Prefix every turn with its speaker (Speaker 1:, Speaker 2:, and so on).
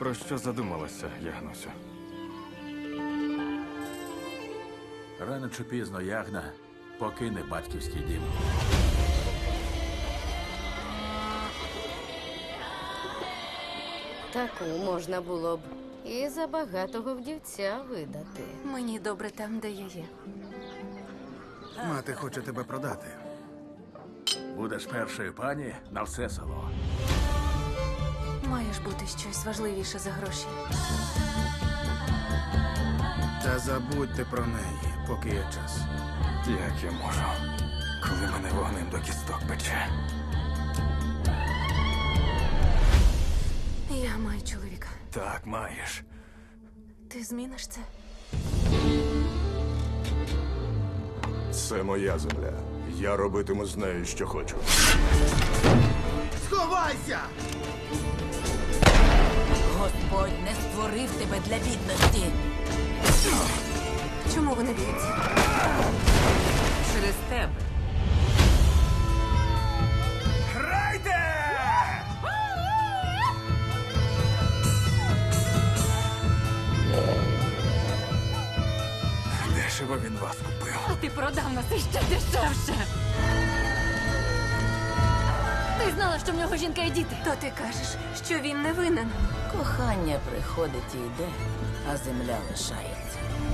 Speaker 1: Про що задумалася, Ягнусю?
Speaker 2: Рано чи пізно Ягна покине батьківський дім.
Speaker 3: Таку можна було б і за багатого вдівця видати.
Speaker 4: Мені добре там, де я є.
Speaker 5: Мати хоче тебе продати.
Speaker 2: Будеш першою пані на все село.
Speaker 4: Має ж бути щось важливіше за гроші.
Speaker 5: Та забудьте про неї, поки є час.
Speaker 1: Як я можу, коли мене вогнем до кісток пече?
Speaker 4: Я маю чоловіка.
Speaker 1: Так, маєш.
Speaker 4: Ти зміниш це?
Speaker 6: Це моя земля. Я робитиму з нею, що хочу.
Speaker 5: Сховайся!
Speaker 7: Господь не створив тебе для бідності.
Speaker 4: Чому вони б'ються?
Speaker 7: Через тебе.
Speaker 1: Дешево він вас купив.
Speaker 4: А ти продав нас іще дешевше. Ти знала, що в нього жінка і діти. То ти кажеш, що він не винен.
Speaker 7: Кохання приходить і йде, а земля лишається.